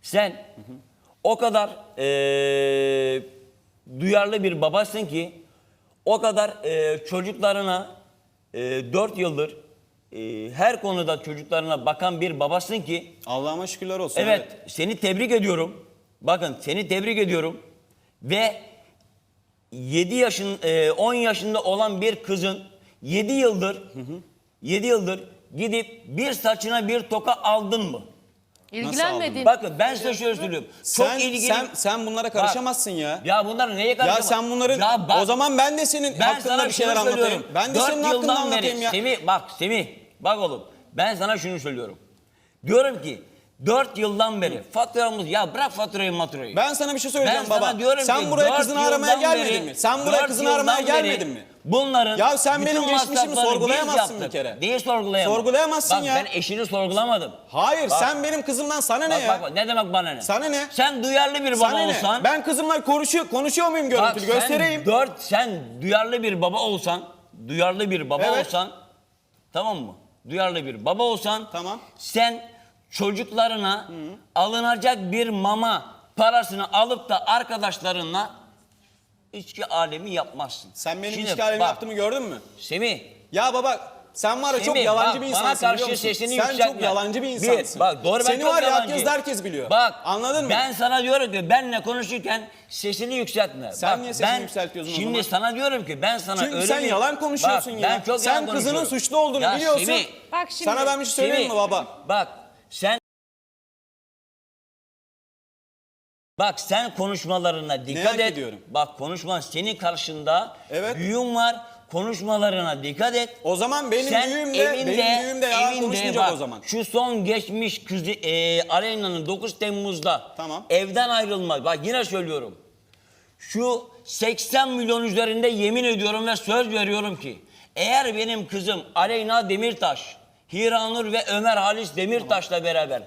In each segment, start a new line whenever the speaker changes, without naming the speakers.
Sen o kadar duyarlı bir babasın ki, o kadar çocuklarına 4 yıldır her konuda çocuklarına bakan bir babasın ki.
Allah'ıma şükürler olsun.
Evet, seni tebrik ediyorum. Bakın, seni tebrik ediyorum. Ve 10 yaşında olan bir kızın 7 yıldır gidip bir saçına bir toka aldın mı?
İlgilenmedin.
Bakın ben size şöyle söylüyorum.
Sen bunlara karışamazsın ya.
Ya bunlar neye karışamaz?
Ya sen bunların o zaman ben de senin hakkında bir şeyler anlatayım. Ben de senin hakkında anlatayım ya.
Semih bak oğlum, ben sana şunu söylüyorum. Diyorum ki 4 yıldan beri faturamız, ya bırak faturayı.
Ben sana bir şey söyleyeceğim
Ben
baba.
sana diyorum
Sen
ki
buraya kızını
4
aramaya
yıldan
gelmedin
beri-
mi? Sen buraya
4
kızını aramaya
yıldan
gelmedin
beri
mi?
Bunların
Ya sen
bütün
benim geçmişimi
masraflarını biz
sorgulayamazsın bir
yaptık.
kere.
Neyi sorgulayamam?
Sorgulayamazsın
Bak,
ya.
ben eşini sorgulamadım.
Hayır,
Bak.
sen benim kızımdan sana ne ya?
Bak, ne demek bana ne?
Sana ne?
Sen duyarlı bir baba
Sana ne?
olsan.
Ben kızımla konuşuyor muyum görüntülü? Göstereyim.
Sen duyarlı bir baba olsan,
Evet.
tamam mı? Duyarlı bir baba olsan,
Tamam.
sen çocuklarına alınacak bir mama parasını alıp da arkadaşlarınla içki alemi yapmazsın.
Sen benim
Şimdi
içki alemi
bak,
yaptığımı gördün mü?
Semih,
Ya baba sen var ya çok
Semih,
yalancı
bak,
bir
bana
insansın
karşı
biliyor musun?
sesini
Sen
yükseltme.
çok yalancı bir insansın.
Bak, doğru, ben
Seni
çok
var ya
yalancıyım.
herkes herkes biliyor.
Bak,
Anladın mı?
Ben sana diyorum ki benle konuşurken sesini yükseltme.
Sen
Bak,
niye sesini yükseltiyorsun o zaman?
Şimdi sana diyorum ki ben sana
Çünkü
öyle
sen
bir...
yalan konuşuyorsun
Bak,
ya.
Ben çok
sen
yalan
kızının
konuşuyorum.
suçlu olduğunu
Ya
biliyorsun.
Semih,
Bak şimdi.
Sana ben bir şey söyleyeyim mi baba?
Bak sen konuşmalarına dikkat
Merak
et.
ediyorum.
Bak, senin karşında
Evet.
büyüğün var. Konuşmalarına dikkat et.
O zaman benim
Sen
büyüğüm de yalan konuşmayacak
bak,
o zaman.
Şu son geçmiş kızı Aleyna'nın 9 Temmuz'da
Tamam.
evden ayrılma. Bak, yine söylüyorum. Şu 80 milyon üzerinde yemin ediyorum ve söz veriyorum ki eğer benim kızım Aleyna Demirtaş, Hiranur ve Ömer Halis Demirtaş'la beraber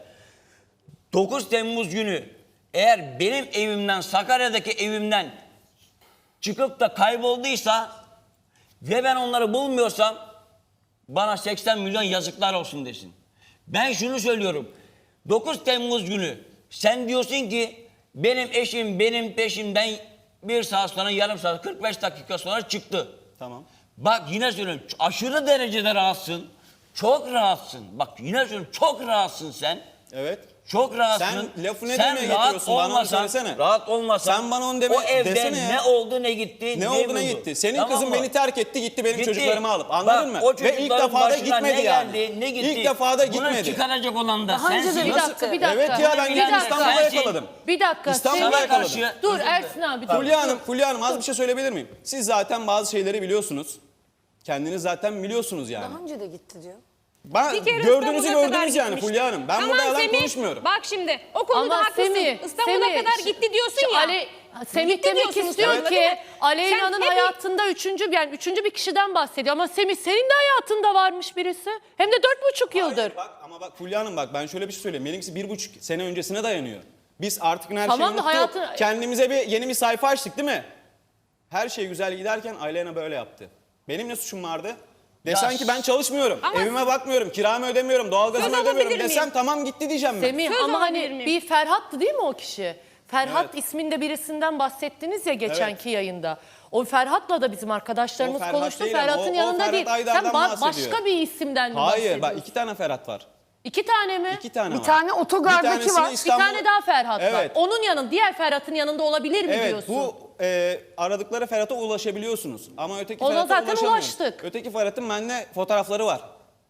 9 Temmuz günü eğer benim evimden, Sakarya'daki evimden çıkıp da kaybolduysa ve ben onları bulmuyorsam bana 80 milyon yazıklar olsun desin. Ben şunu söylüyorum. 9 Temmuz günü sen diyorsun ki benim eşim benim peşimden 1 saat sonra, yarım saat, 45 dakika sonra çıktı.
Tamam.
Bak, yine söylüyorum, aşırı derecede rahatsın. Çok rahatsın. Bak, yine söylüyorum, çok rahatsın sen.
Evet.
Çok rahatsın.
Sen lafı ne demeye getiriyorsun? Bana onu söylesene.
Rahat olmasan.
Sen bana onu deme,
o evde
desene ya.
ne oldu ne gitti.
Ne oldu ne
buldu.
gitti? Senin
Tamam
kızın
mı?
beni terk etti, gitti benim
Gitti.
çocuklarımı alıp. Anladın
Bak,
mı?
o
Ve ilk
çocukların
defa da
başına
gitmedi
ne
yani.
geldi, ne gitti.
İlk defa da
Bunu
gitmedi.
çıkaracak olan da
Daha önce de
sensin.
bir dakika.
Evet ya, ben
Bir
gittim
dakika.
İstanbul'a
Sensin.
yakaladım.
Bir dakika.
İstanbul'a
Semih-
yakaladım.
Dur Ersin abi. dur.
Fulya Hanım az bir şey söyleyebilir miyim? Siz zaten bazı şeyleri biliyorsunuz. Kendiniz zaten biliyorsunuz yani.
Daha önce de gitti diyor.
Ben gördüğünüzü
İstanbul'a kadar
gördünüz yani
gitmişti.
Fulya Hanım. Ben
Tamam
burada yalan
Semih,
konuşmuyorum.
Bak şimdi o konuda
Ama
haklısın. İstanbul'a kadar gitti diyorsun ya.
Semih
Gitti
demek
diyorsun
istiyor
İstanbul'a,
ki
değil mi?
Aleyna'nın
Sen hep-
hayatında üçüncü bir kişiden bahsediyor. Ama Semih, senin de hayatında varmış birisi. Hem de 4,5 yıldır.
Bak ama bak Fulya Hanım, bak ben şöyle bir şey söyleyeyim. Benimkisi 1,5 sene öncesine dayanıyor. Biz artık her
Tamam
şeyi
da
unuttuk.
hayatı-
Kendimize yeni bir sayfa açtık değil mi? Her şey güzel giderken Aleyna böyle yaptı. Benim ne suçum vardı? Desen ki ben çalışmıyorum,
Ama-
evime bakmıyorum, kiramı ödemiyorum, doğalgazımı
Söz
ödemiyorum
alabilir
desem
miyim?
tamam gitti diyeceğim ben.
Semih,
Söz
ama
alabilir
hani
miyim?
bir Ferhat'tı değil mi o kişi? Ferhat
Evet.
isminde birisinden bahsettiniz ya geçenki yayında. O Ferhat'la da bizim arkadaşlarımız
O Ferhat
konuştu.
değil ama
Ferhat'ın
o
yanında
Ferhat
değil. Sen
Aydar'dan bahsediyor.
başka bir isimden mi
Hayır
bahsediyorsun?
bak 2 tane Ferhat var.
2 tane mi?
2 tane
Bir
var.
tane
Bir
otogardaki
tanesini
var.
Bir
İstanbul-
tane daha Ferhat var.
Evet.
Onun yanında, diğer Ferhat'ın yanında olabilir mi
Evet
diyorsun?
bu aradıkları Ferhat'a ulaşabiliyorsunuz. Ama öteki
Ona
Ferhat'a
zaten
ulaşamıyorsunuz.
ulaştık.
Öteki Ferhat'ın bende fotoğrafları var.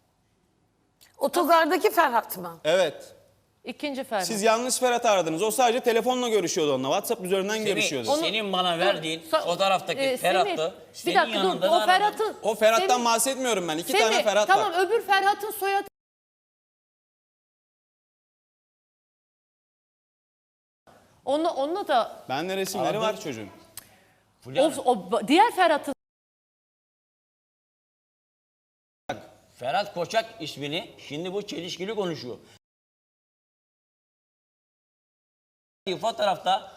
Otogardaki Ferhat mı?
Evet.
İkinci Ferhat.
Siz yanlış Ferhat'ı aradınız. O sadece telefonla görüşüyordu onunla. WhatsApp üzerinden görüşüyordu.
Senin bana verdiğin
Dur,
fotoğraftaki
Semih,
Ferhat'tı.
bir
Senin
dakika dur.
yanında da
O
aradım.
Ferhat'ın...
O Ferhat'tan
Semih,
bahsetmiyorum ben. 2
Semih,
tane Ferhat
tamam,
var.
öbür Ferhat'ın soyadı... Onunla da...
Bende resimleri
Aradım.
var çocuğun.
Fulya Hanım,
Diğer Ferhat'ın...
Ferhat Koçak ismini şimdi bu çelişkili konuşuyor. Fotoğrafta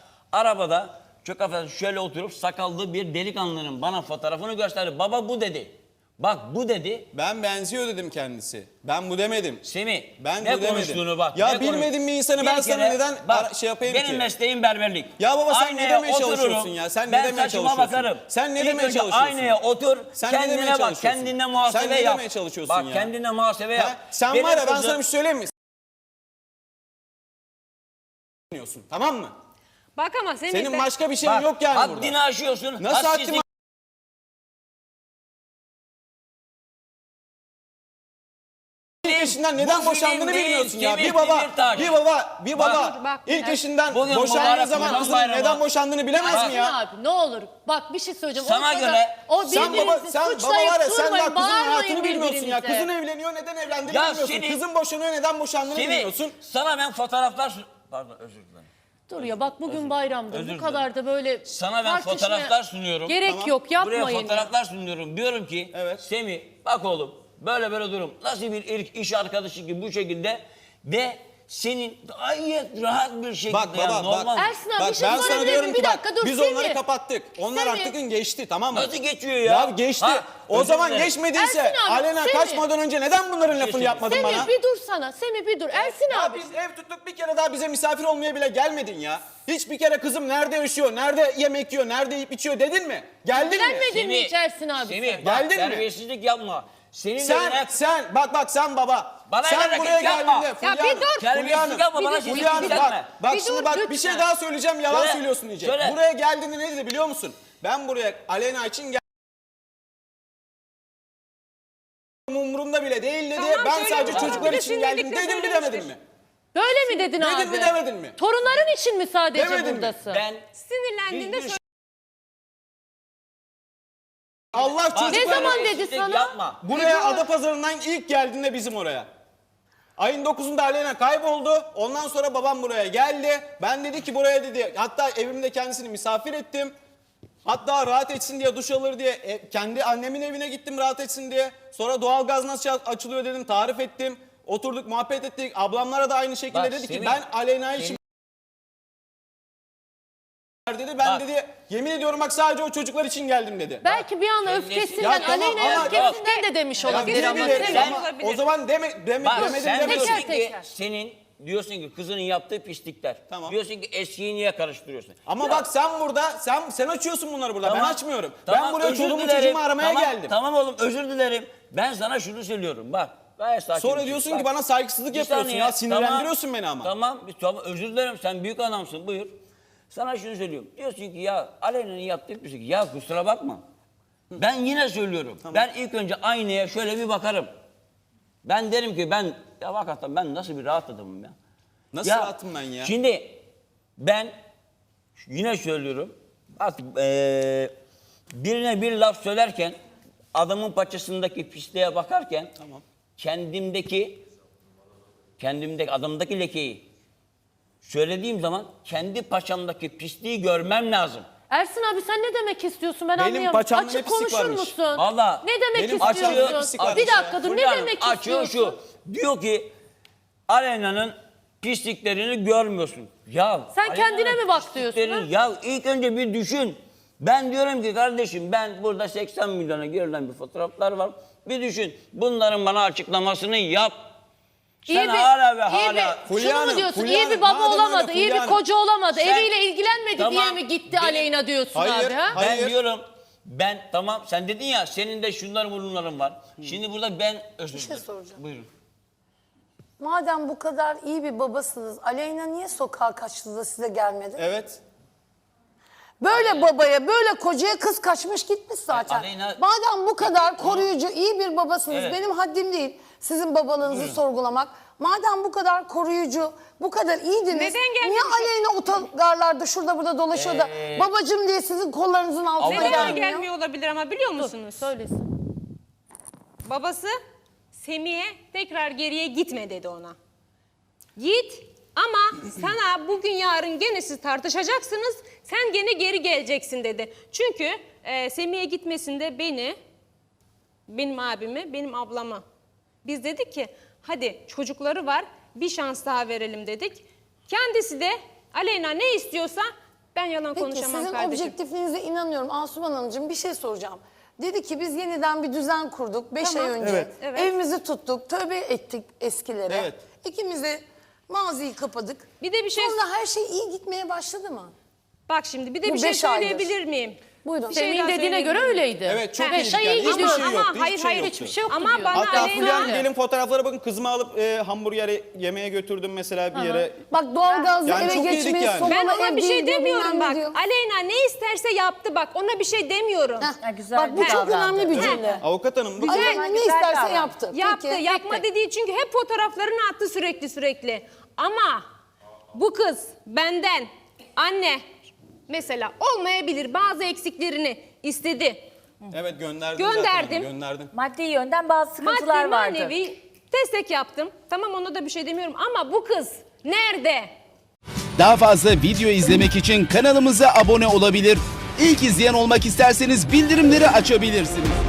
arabada çok affedersin şöyle oturup sakallı bir delikanlının bana fotoğrafını gösterdi. Baba bu dedi. Bak bu dedi.
Ben benziyor dedim kendisi. Ben bu demedim.
Semih
Ben
ne
bu demedim.
konuştuğunu bak.
Ya
ne
bilmediğin bir insanı ben
Bir
sana
kere
neden şey yapayım
benim
ki?
mesleğim berberlik.
Ya baba sen ne
Aynaya
demeye
otururum,
çalışıyorsun ya? Sen ne
ben
demeye
saçıma
çalışıyorsun?
bakarım.
Sen ne
İlk
demeye
önce
çalışıyorsun?
Aynaya otur,
Sen ne demeye
kendine bak,
çalışıyorsun?
kendine muhasebe
Sen ne
yap.
demeye çalışıyorsun
Bak
ya?
kendine muhasebe yap.
Ha? Sen
Benim
var ya ben
kızım-
sana bir şey söyleyeyim mi? Tamam mı?
Bak ama Semih
Senin
ben-
başka bir şeyin
Bak,
yok yani burada.
haddini aşıyorsun.
Nasıl
hadsizlik-
haddim? İlk eşinden neden
Bu
boşandığını
film değil,
bilmiyorsun ya.
Semih
Bir baba,
Demirtaş.
bir baba
Bak,
ilk eşinden
bugün
boşandığı
mübarek
zaman
Ramazan
kızının
bayramı.
neden boşandığını bilemez
Ersin
mi ya?
abi ne olur bak bir şey söyleyeceğim.
Sana
Ortada
göre
o
Sen
birbirinizi
baba var
suçlayıp
ya sen
durmayın,
daha kızın
bağırmayın
hayatını bilmiyorsun ya.
birbirinize.
Kızın evleniyor neden evlendiğini
Ya
bilmiyorsun.
senin-
Kızın boşanıyor neden boşandığını
Semih,
bilmiyorsun.
sana ben fotoğraflar... Pardon özür dilerim.
Dur ya bak bugün bayramdır.
özür
Bu kadar da böyle
Sana ben
tartışmaya
fotoğraflar sunuyorum.
Gerek
Tamam.
yok yapmayın.
Buraya
ya.
fotoğraflar sunuyorum. Diyorum ki
Evet.
Semih bak oğlum böyle böyle durum. Nasıl bir ilk iş arkadaşı gibi bu şekilde ve senin gayet rahat bir şekilde
Bak baba bak.
normal.
Ersin abi
Bak
bir şey
ben sana
sorabilir
diyorum
miyim?
ki
Bir
bak
dakika dur
biz
Semih.
onları kapattık. Onlar
Semih.
artık geçti tamam mı?
Nasıl geçiyor ya?
Ya geçti.
Ha,
O
özür
zaman
dilerim.
geçmediyse
Ersin abi,
Alena
Semih.
kaçmadan önce neden bunların lafını
söyleyeyim.
yapmadın
Semih
bana?
bir dur sana. Semih bir dur. Ersin
Ya
abi.
biz ev tuttuk bir kere daha bize misafir olmaya bile gelmedin ya. Hiçbir kere kızım nerede yaşıyor, nerede yemek yiyor, nerede yiyip içiyor dedin mi? Geldin mi?
Gelmedin mi hiç Ersin abi
Semih
sen?
bak
Geldin mi?
terbiyesizlik yapma. Senin evine...
Sen bak sen baba.
Bana
sen
hareket
buraya
yapma.
geldiğinde
Ya bir dur.
Terbiyesizlik yapma bana şimdi
Fulya Hanım
yükseltme.
bak
Bir
şimdi
dur,
bak bir
lütfen.
şey daha söyleyeceğim yalan
Söyle,
söylüyorsun diyecek.
söyle.
Buraya geldiğinde ne dedi biliyor musun? Ben buraya Alena için geldim. Umurumda bile değil dedi.
Tamam,
Ben
söyle
sadece
bakalım.
çocuklar
Bir de
için geldim
sinirlikle
dedim mi
söylemiştir.
demedin mi?
Böyle mi dedin abi?
Dedin mi, demedin mi?
Torunların için mi sadece
Demedin mi?
buradasın?
Ben
Sinirlendiğinde
hiçbir
söyle.
Allah
Bak,
çocuklar.
Ne zaman dedi
terbiyesizlik
sana?
Yapma.
Buraya Adapazarı'ndan ilk geldiğinde bizim oraya. Ayın 9'unda Alena kayboldu. Ondan sonra babam buraya geldi. Ben dedi ki buraya dedi. Hatta evimde kendisini misafir ettim. Hatta rahat etsin diye duş alır diye kendi annemin evine gittim rahat etsin diye. Sonra doğalgaz nasıl açılıyor dedim tarif ettim. Oturduk muhabbet ettik. Ablamlara da aynı şekilde
Bak,
dedi ki
Semih,
ben Alena için dedi. Ben
Bak.
dedi yemin ediyorum bak sadece o çocuklar için geldim dedi.
Belki bir an
Sen
öfkesinden,
nesin? Ya tamam
Aleyna
ama-
öfkesinden de demiş
Ya
olabilir ama
diyebilir
Semih.
ama
Olabilir.
o zaman
Bak
demedim
sen
demedim.
diyorsun
Teker
ki
teker.
diyorsun ki kızının yaptığı pislikler.
Tamam.
Diyorsun ki eskiyi niye karıştırıyorsun?
Ama
Ya,
bak sen burada sen açıyorsun bunları burada.
tamam,
Ben açmıyorum.
tamam,
Ben buraya
özür
çoluğumu
dilerim.
çocuğumu aramaya
Tamam,
geldim.
Tamam oğlum özür dilerim. Ben sana şunu söylüyorum bak. Gayet sakin
Sonra
bir şey.
diyorsun
Bak,
ki bana saygısızlık
bir
yapıyorsun
saniye,
ya. Sinirlendiriyorsun
tamam,
beni ama.
Tamam özür dilerim sen büyük adamsın buyur. Sana şunu söylüyorum. Diyorsun ki ya Aleyna'nın yaptığı bir şey. Ya kusura bakma. Ben yine söylüyorum. Ben ilk önce aynaya şöyle bir bakarım. Ben derim ki ya hakikaten ben nasıl bir rahat adamım ya.
Nasıl rahatım ben ya?
Şimdi ben yine söylüyorum. Artık birine bir laf söylerken adamın paçasındaki pisliğe bakarken
Tamam.
kendimdeki adamdaki lekeyi söylediğim zaman kendi paçamdaki pisliği görmem lazım.
Ersin abi sen ne demek istiyorsun ben
Benim
anlayamadım.
paçamda
Açık
ne pislik
konuşur
varmış?
musun?
Vallahi
Ne demek
benim paçamda
istiyorsun?
pislik varmış
Bir
ya.
dakika dur ne
Fulya Hanım
demek
açıyor
istiyorsun?
şu. Diyor ki Alena'nın pisliklerini görmüyorsun. Ya
Sen
Alena'nın
kendine mi bak diyorsun,
pisliklerini- Ya ilk önce bir düşün. Ben diyorum ki kardeşim ben burada 80 milyona girilen bir fotoğraflar var. Bir düşün. Bunların bana açıklamasını yap. Sen hala ve hala.
Fulya
Şunu mu
Hanım,
diyorsun?
Fulya
İyi bir
Hanım,
baba
madem öyle
olamadı, iyi
Fulya
bir
Hanım.
koca olamadı,
Sen-
eviyle ilgilenmedi diye
Tamam,
mi gitti
benim-
Aleyna diyorsun
Hayır,
abi ha?
hayır.
Ben diyorum tamam sen dedin ya senin de şunlar bunların var. Şimdi burada ben özür
Bir şey
dilerim.
soracağım.
Buyurun.
Madem bu kadar iyi bir babasınız, Aleyna niye sokağa kaçtı da size gelmedi?
Evet.
Böyle babaya, böyle kocaya kız kaçmış gitmiş zaten.
Aleyna-
Madem bu kadar koruyucu, iyi bir babasınız,
Evet.
benim haddim değil sizin babalığınızı sorgulamak. Madem bu kadar koruyucu, bu kadar iyiydiniz,
Neden gelmemiş?
niye Aleyna otogarlarda şurada burada dolaşıyor da babacım diye sizin kollarınızın altına
Neden
Neden
gelmiyor?
gelmiyor olabilir ama biliyor musunuz?
Söylesin.
Babası Semih'e tekrar geriye gitme dedi ona. Git ama sana bugün yarın gene siz tartışacaksınız. Sen gene geri geleceksin dedi. Çünkü Semih'e gitmesinde benim abimi, benim ablamı. Biz dedik ki hadi çocukları var bir şans daha verelim dedik. Kendisi de Aleyna ne istiyorsa ben yalan
Peki
konuşamam
sizin
kardeşim.
objektifliğinize inanıyorum. Asuman Hanımcığım bir şey soracağım. Dedi ki biz yeniden bir düzen kurduk 5
Tamam.
ay önce.
Evet.
Evet.
Evimizi tuttuk, tövbe ettik eskilere.
Evet.
İkimiz de maziyi kapadık.
Bir de bir şey-
Sonra her şey iyi gitmeye başladı mı?
Bak şimdi bir de
Bu
bir şey
5 aydır.
söyleyebilir miyim?
Buyurun.
Bir şey
Semih'in
daha
dediğine göre
söyleyebilir miyim?
öyleydi.
Evet çok
Ha,
iyi
beş ay
yani.
iyi
Hiçbir
gidiyordu.
şey
Ama
yoktu.
hayır,
Hiçbir şey
hayır,
yoktu.
Hiçbir şey yoktu
Ama
diyor.
bana
Hatta
Aleyna-
Fulya gelin fotoğraflara bakın, kızımı alıp hamburger yemeğe götürdüm mesela bir yere.
Bak doğalgazla
Yani
eve
çok yedik
geçmeyi,
yani.
sobalı
Ben ona
ev
bir şey
değil diyor,
demiyorum
bilmem ne
bak.
diyor.
Aleyna ne isterse yaptı bak. Ona bir şey demiyorum.
Heh,
Ha, güzel
Bak bu
bir
çok
davrandı.
önemli bir cümle.
Avukat hanım bu
Aleyna ne
Güzel
isterse
davrandı.
yaptı.
Yaptı.
Peki.
Yapma dediği çünkü hep fotoğraflarını attı sürekli. Ama bu kız benden anne mesela olmayabilir, bazı eksiklerini istedi.
evet gönderdim.
Gönderdim.
Zaten, gönderdim.
Maddi yönden bazı sıkıntılar
Maddi
vardı.
manevi destek yaptım. Tamam, ona da bir şey demiyorum ama bu kız nerede?
Daha fazla video izlemek için kanalımıza abone olabilir. İlk izleyen olmak isterseniz bildirimleri açabilirsiniz.